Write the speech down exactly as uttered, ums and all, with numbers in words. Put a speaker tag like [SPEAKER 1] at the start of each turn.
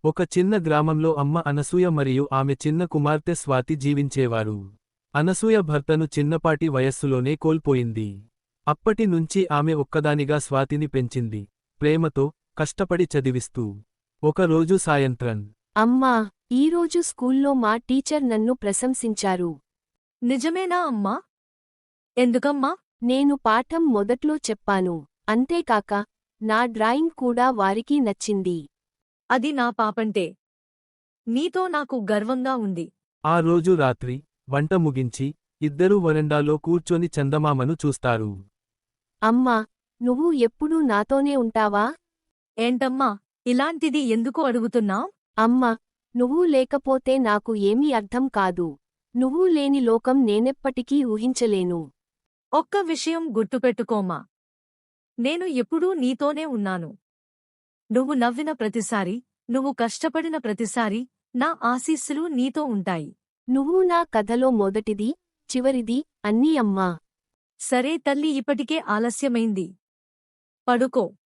[SPEAKER 1] ఒక చిన్న గ్రామంలో అమ్మ అనసూయ మరియు ఆమె చిన్న కుమార్తె స్వాతి జీవించేవారు. అనసూయ భర్తను చిన్నపాటి వయస్సులోనే కోల్పోయింది. అప్పటి నుంచి ఆమె ఒక్కదానిగా స్వాతిని పెంచింది, ప్రేమతో, కష్టపడి చదివిస్తూ. ఒకరోజు సాయంత్రం,
[SPEAKER 2] అమ్మా, ఈరోజు స్కూల్లో మా టీచర్ నన్ను ప్రశంసించారు.
[SPEAKER 3] నిజమేనా అమ్మా? ఎందుకమ్మా?
[SPEAKER 2] నేను పాఠం మొదట్లో చెప్పాను, అంతేకాక నా డ్రాయింగ్ కూడా వారికి నచ్చింది.
[SPEAKER 3] అది నా పాపంటే. నీతో నాకు గర్వంగా ఉంది.
[SPEAKER 1] ఆ రోజు రాత్రి, వంట ముగించి, ఇద్దరూ వరండాలో కూర్చొని చందమామను చూస్తారు.
[SPEAKER 2] అమ్మా, నువ్వు ఎప్పుడూ నాతోనే ఉంటావా?
[SPEAKER 3] ఏంటమ్మా, ఇలాంటిది ఎందుకు అడుగుతున్నావ్?
[SPEAKER 2] అమ్మా, నువ్వు లేకపోతే నాకు ఏమీ అర్థం కాదు. నువ్వు లేని లోకం నేనెప్పటికీ ఊహించలేను.
[SPEAKER 3] ఒక్క విషయం గుర్తుపెట్టుకోమా. నేను ఎప్పుడూ నీతోనే ఉన్నాను. నువ్వు నవ్విన ప్రతిసారీ, నువ్వు కష్టపడిన ప్రతిసారీ, నా ఆశీస్సులు నీతో ఉంటాయి.
[SPEAKER 2] నువ్వు నా కథలో మొదటిది, చివరిది, అన్నీ అమ్మా.
[SPEAKER 3] సరే తల్లి, ఇప్పటికే ఆలస్యమైంది. పడుకో.